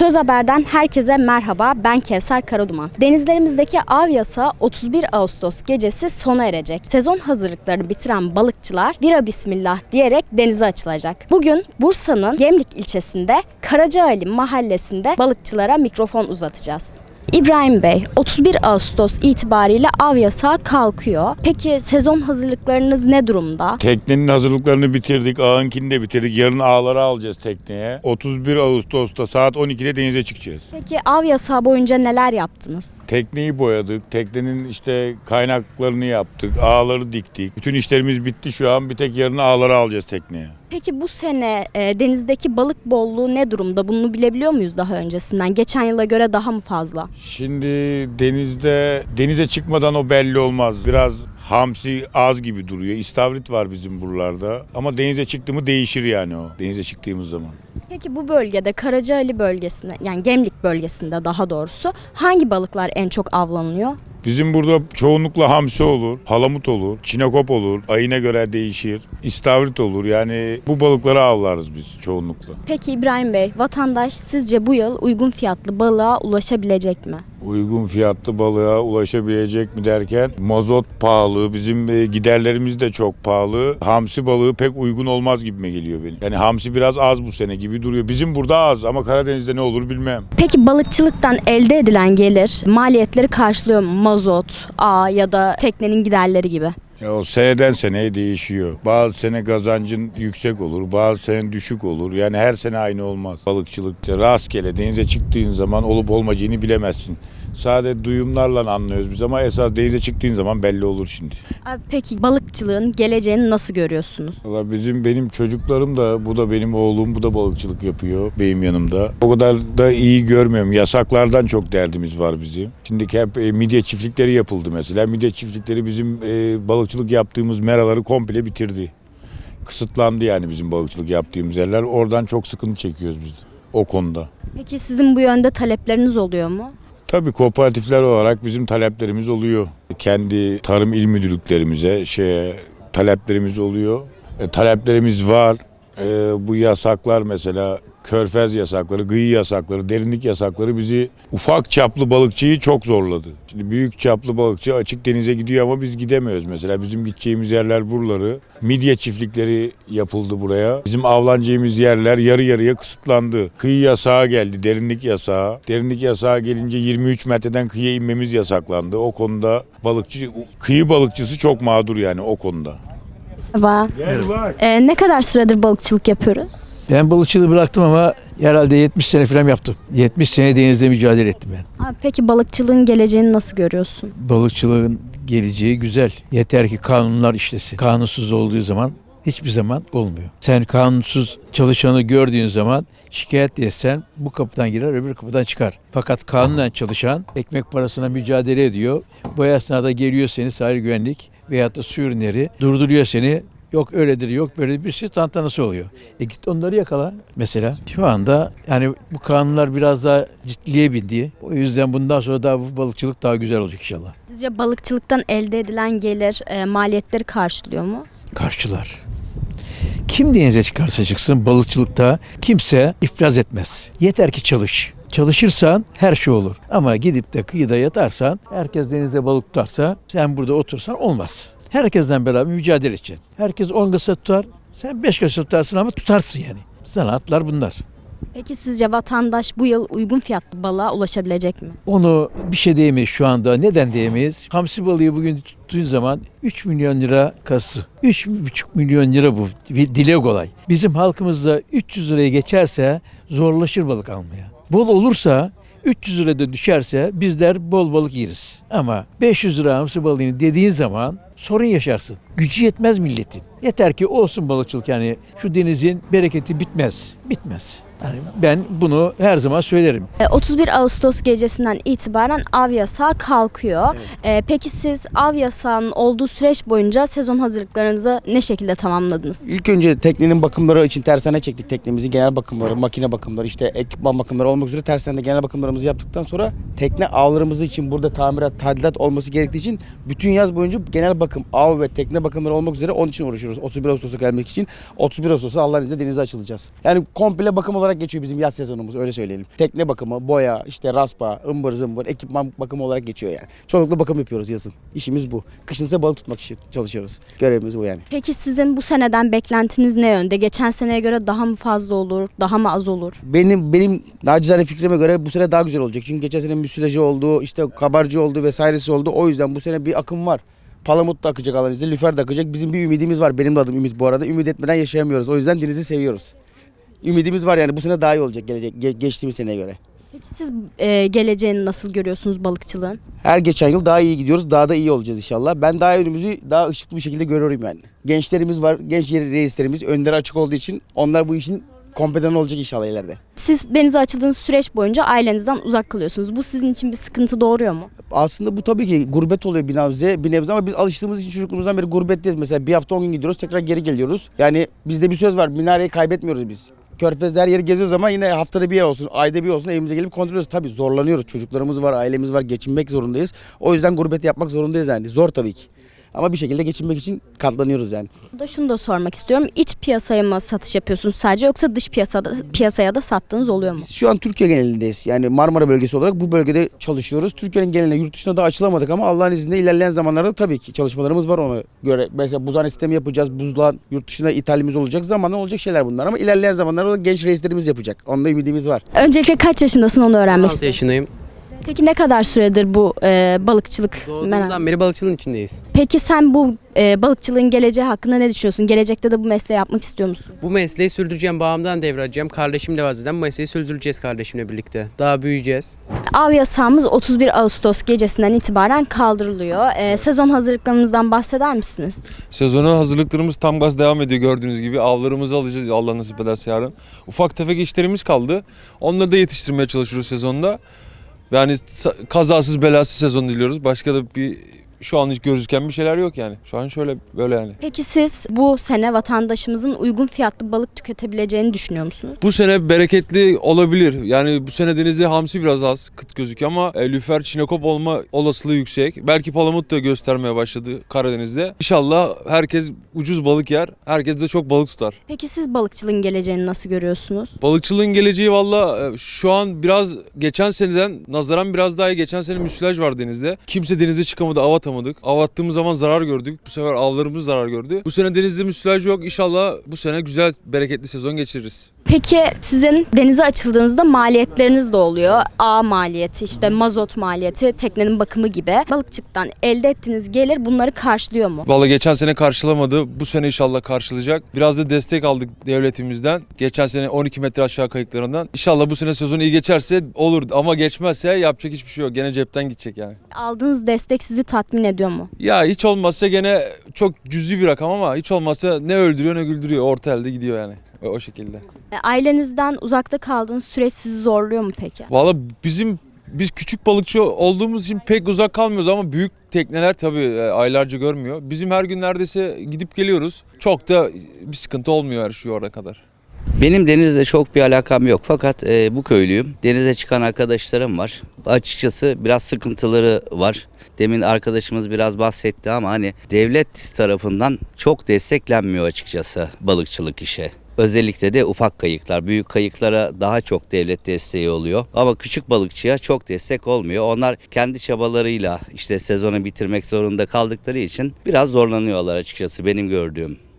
Söz Haber'den herkese merhaba, ben Kevser Karaduman. Denizlerimizdeki av yasağı 31 Ağustos gecesi sona erecek. Sezon hazırlıklarını bitiren balıkçılar "Bira bismillah" diyerek denize açılacak. Bugün Bursa'nın Gemlik ilçesinde Karacaali mahallesinde balıkçılara mikrofon uzatacağız. İbrahim Bey, 31 Ağustos itibariyle av yasağı kalkıyor. Peki sezon hazırlıklarınız ne durumda? Teknenin hazırlıklarını bitirdik, ağınkini de bitirdik. Yarın ağları alacağız tekneye. 31 Ağustos'ta saat 12'de denize çıkacağız. Peki av yasağı boyunca neler yaptınız? Tekneyi boyadık, teknenin kaynaklarını yaptık, ağları diktik. Bütün işlerimiz bitti şu an. Bir tek yarın ağları alacağız tekneye. Peki bu sene denizdeki balık bolluğu ne durumda? Bunu bilebiliyor muyuz daha öncesinden? Geçen yıla göre daha mı fazla? Şimdi denize çıkmadan o belli olmaz. Biraz hamsi az gibi duruyor. İstavrit var bizim buralarda. Ama denize çıktı mı değişir yani o. Denize çıktığımız zaman. Peki bu bölgede Karacaali bölgesinde, yani Gemlik bölgesinde daha doğrusu hangi balıklar en çok avlanıyor? Bizim burada çoğunlukla hamsi olur, palamut olur, çinekop olur, ayına göre değişir, istavrit olur. Yani bu balıkları avlarız biz çoğunlukla. Peki İbrahim Bey, vatandaş sizce bu yıl uygun fiyatlı balığa ulaşabilecek mi? Uygun fiyatlı balığa ulaşabilecek mi derken mazot pahalı, bizim giderlerimiz de çok pahalı. Hamsi balığı pek uygun olmaz gibime geliyor benim. Yani hamsi biraz az bu sene gibi duruyor. Bizim burada az ama Karadeniz'de ne olur bilmem. Peki balıkçılıktan elde edilen gelir maliyetleri karşılıyor mu? Mazot, ağ ya da teknenin giderleri gibi. Ya o seneden seneye değişiyor. Bazı sene kazancın yüksek olur, bazı sene düşük olur. Yani her sene aynı olmaz. Balıkçılıkta rastgele denize çıktığın zaman olup olmayacağını bilemezsin. Sadece duyumlarla anlıyoruz biz ama esas denize çıktığın zaman belli olur şimdi. Peki balıkçılığın geleceğini nasıl görüyorsunuz? Valla benim çocuklarım da, bu da benim oğlum, bu da balıkçılık yapıyor benim yanımda. O kadar da iyi görmüyorum. Yasaklardan çok derdimiz var bizim. Şimdiki hep midye çiftlikleri yapıldı mesela. Midye çiftlikleri bizim balıkçılık yaptığımız meraları komple bitirdi. Kısıtlandı yani bizim balıkçılık yaptığımız yerler. Oradan çok sıkıntı çekiyoruz biz de o konuda. Peki sizin bu yönde talepleriniz oluyor mu? Tabii kooperatifler olarak bizim taleplerimiz oluyor. Kendi tarım il müdürlüklerimize taleplerimiz oluyor. Taleplerimiz var. Bu yasaklar mesela körfez yasakları, kıyı yasakları, derinlik yasakları bizi ufak çaplı balıkçıyı çok zorladı. Şimdi büyük çaplı balıkçı açık denize gidiyor ama biz gidemiyoruz mesela. Bizim gideceğimiz yerler buraları. Midye çiftlikleri yapıldı buraya. Bizim avlanacağımız yerler yarı yarıya kısıtlandı. Kıyı yasağı geldi, derinlik yasağı. Derinlik yasağı gelince 23 metreden kıyıya inmemiz yasaklandı. O konuda kıyı balıkçısı çok mağdur yani o konuda. Merhaba. Ne kadar süredir balıkçılık yapıyoruz? Ben balıkçılığı bıraktım ama herhalde 70 sene falan yaptım. 70 sene denizde mücadele ettim ben. Peki balıkçılığın geleceğini nasıl görüyorsun? Balıkçılığın geleceği güzel. Yeter ki kanunlar işlesin. Kanunsuz olduğu zaman hiçbir zaman olmuyor. Sen kanunsuz çalışanı gördüğün zaman şikayet etsen bu kapıdan girer öbür kapıdan çıkar. Fakat kanunen çalışan ekmek parasına mücadele ediyor. Bu esnada geliyor seni sahil güvenlik veyahut da su ürünleri durduruyor seni. Yok öyledir, yok böyle bir şey tantanası oluyor. Git onları yakala mesela. Şu anda yani bu kanunlar biraz daha ciddiye bindi. O yüzden bundan sonra daha bu balıkçılık daha güzel olacak inşallah. Sizce balıkçılıktan elde edilen gelir maliyetleri karşılıyor mu? Karşılar. Kim denize çıkarsa çıksın balıkçılıkta kimse iflas etmez. Yeter ki çalış. Çalışırsan her şey olur. Ama gidip de kıyıda yatarsan, herkes denizde balık tutarsa sen burada otursan olmaz. Herkesten beraber mücadele edeceksin. Herkes 10 kasa tutar, sen 5 kasa tutarsın ama tutarsın yani. Sanatlar bunlar. Peki sizce vatandaş bu yıl uygun fiyatlı balığa ulaşabilecek mi? Onu bir şey diyemeyiz şu anda. Neden diyemeyiz? Hamsi balığı bugün tuttuğun zaman 3 milyon lira kası. 3,5 milyon lira bu. Dile kolay. Bizim halkımızda 300 liraya geçerse zorlaşır balık almaya. Bol olursa 300 lirada düşerse bizler bol balık yeriz. Ama 500 lira hamsi balığını dediğin zaman sorun yaşarsın. Gücü yetmez milletin. Yeter ki olsun balıkçılık yani şu denizin bereketi bitmez. Bitmez. Yani ben bunu her zaman söylerim. 31 Ağustos gecesinden itibaren av yasağı kalkıyor. Peki siz av yasağının olduğu süreç boyunca sezon hazırlıklarınızı ne şekilde tamamladınız? İlk önce teknenin bakımları için tersane çektik. Teknemizin genel bakımları, makine bakımları, ekipman bakımları olmak üzere tersanede genel bakımlarımızı yaptıktan sonra tekne avlarımız için burada tamirat, tadilat olması gerektiği için bütün yaz boyunca genel bakım, av ve tekne bakımları olmak üzere onun için uğraşıyoruz. 31 Ağustos'a gelmek için 31 Ağustos'ta Allah'ın izniyle denize açılacağız. Yani komple bakım olarak geçiyor bizim yaz sezonumuz, öyle söyleyelim. Tekne bakımı, boya, işte raspa, ımbır zımbır, ekipman bakımı olarak geçiyor yani. Çoğunlukla bakım yapıyoruz yazın. İşimiz bu. Kışın ise balık tutmak için çalışıyoruz. Görevimiz bu yani. Peki sizin bu seneden beklentiniz ne yönde? Geçen seneye göre daha mı fazla olur, daha mı az olur? Benim nacizane fikrime göre bu sene daha güzel olacak. Çünkü geçen sene müsilajı oldu, işte kabarcı oldu vesairesi oldu. O yüzden bu sene bir akım var. Palamut da akacak Allah'ın izniyle, lüfer de akacak. Bizim bir ümidimiz var. Benim de adım Ümit bu arada. Ümit etmeden yaşayamıyoruz. O yüzden denizi seviyoruz. Ümidimiz var yani bu sene daha iyi olacak geçtiğimiz seneye göre. Peki siz geleceğini nasıl görüyorsunuz balıkçılığın? Her geçen yıl daha iyi gidiyoruz. Daha da iyi olacağız inşallah. Ben daha önümüzü daha ışıklı bir şekilde görüyorum yani. Gençlerimiz var. Genç reislerimiz önleri açık olduğu için onlar bu işin kompedanı olacak inşallah ileride. Siz denize açıldığınız süreç boyunca ailenizden uzak kalıyorsunuz. Bu sizin için bir sıkıntı doğuruyor mu? Aslında bu tabii ki gurbet oluyor bir nebze ama biz alıştığımız için çocukluğumuzdan beri gurbetteyiz. Mesela bir hafta 10 gün gidiyoruz, tekrar geri geliyoruz. Yani bizde bir söz var, minareyi kaybetmiyoruz biz. Körfez'de her yeri geziyoruz ama yine haftada bir yer olsun, ayda bir olsun evimize gelip kontrol ediyoruz. Tabii zorlanıyoruz, çocuklarımız var, ailemiz var, geçinmek zorundayız. O yüzden gurbet yapmak zorundayız yani. Zor tabii ki. Ama bir şekilde geçinmek için katlanıyoruz yani. Burada şunu da sormak istiyorum. İç piyasaya mı satış yapıyorsunuz sadece yoksa dış piyasaya da sattığınız oluyor mu? Biz şu an Türkiye genelindeyiz. Yani Marmara bölgesi olarak bu bölgede çalışıyoruz. Türkiye'nin geneline, yurt dışına da açılamadık ama Allah'ın izniyle ilerleyen zamanlarda tabii ki çalışmalarımız var ona göre. Mesela buzhane sistemi yapacağız. Buzluğa yurt dışına ithalimiz olacak. Zamanla olacak şeyler bunlar ama ilerleyen zamanlarda da genç reislerimiz yapacak. Onda ümidimiz var. Öncelikle kaç yaşındasın onu öğrenmek 16 istiyorum. yaşındayım. Peki ne kadar süredir bu balıkçılık merak? Doğduğumdan beri balıkçılığın içindeyiz. Peki sen bu balıkçılığın geleceği hakkında ne düşünüyorsun? Gelecekte de bu mesleği yapmak istiyor musun? Bu mesleği sürdüreceğim, babamdan devralacağım. Kardeşim de vazgeçten bu mesleği sürdüreceğiz kardeşimle birlikte. Daha büyüyeceğiz. Av yasağımız 31 Ağustos gecesinden itibaren kaldırılıyor. Sezon hazırlıklarımızdan bahseder misiniz? Sezona hazırlıklarımız tam gaz devam ediyor gördüğünüz gibi. Avlarımızı alacağız Allah nasip ederse yarın. Ufak tefek işlerimiz kaldı. Onları da yetiştirmeye çalışıyoruz sezonda. Yani kazasız belasız sezon diliyoruz. Başka da şu an hiç gözüken bir şeyler yok yani. Şu an şöyle böyle yani. Peki siz bu sene vatandaşımızın uygun fiyatlı balık tüketebileceğini düşünüyor musunuz? Bu sene bereketli olabilir. Yani bu sene denizde hamsi biraz az kıt gözüküyor ama lüfer, çinekop olma olasılığı yüksek. Belki palamut da göstermeye başladı Karadeniz'de. İnşallah herkes ucuz balık yer. Herkes de çok balık tutar. Peki siz balıkçılığın geleceğini nasıl görüyorsunuz? Balıkçılığın geleceği valla şu an biraz geçen seneden nazaran biraz daha iyi. Geçen sene müsilaj var denizde. Kimse denize çıkamadı, av atamadık. Av attığımız zaman zarar gördük. Bu sefer avlarımız zarar gördü. Bu sene denizde müsilaj yok. İnşallah bu sene güzel, bereketli sezon geçiririz. Peki sizin denize açıldığınızda maliyetleriniz de oluyor. A maliyeti, işte mazot maliyeti, teknenin bakımı gibi. Balıkçılıktan elde ettiğiniz gelir bunları karşılıyor mu? Valla geçen sene karşılamadı. Bu sene inşallah karşılayacak. Biraz da destek aldık devletimizden. Geçen sene 12 metre aşağı kayıklarından. İnşallah bu sene sezon iyi geçerse olur ama geçmezse yapacak hiçbir şey yok. Gene cepten gidecek yani. Aldığınız destek sizi tatmin ediyor mu? Ya hiç olmazsa gene çok cüzi bir rakam ama hiç olmazsa ne öldürüyor ne güldürüyor. Orta elde gidiyor yani. O şekilde. Ailenizden uzakta kaldığınız süreç sizi zorluyor mu peki? Valla biz küçük balıkçı olduğumuz için pek uzak kalmıyoruz ama büyük tekneler tabii aylarca görmüyor. Bizim her gün neredeyse gidip geliyoruz. Çok da bir sıkıntı olmuyor her şu ana kadar. Benim denizle çok bir alakam yok fakat bu köylüyüm. Denize çıkan arkadaşlarım var. Açıkçası biraz sıkıntıları var. Demin arkadaşımız biraz bahsetti ama hani devlet tarafından çok desteklenmiyor açıkçası balıkçılık işe. Özellikle de ufak kayıklar, büyük kayıklara daha çok devlet desteği oluyor. Ama küçük balıkçıya çok destek olmuyor. Onlar kendi çabalarıyla işte sezonu bitirmek zorunda kaldıkları için biraz zorlanıyorlar açıkçası benim gördüğüm.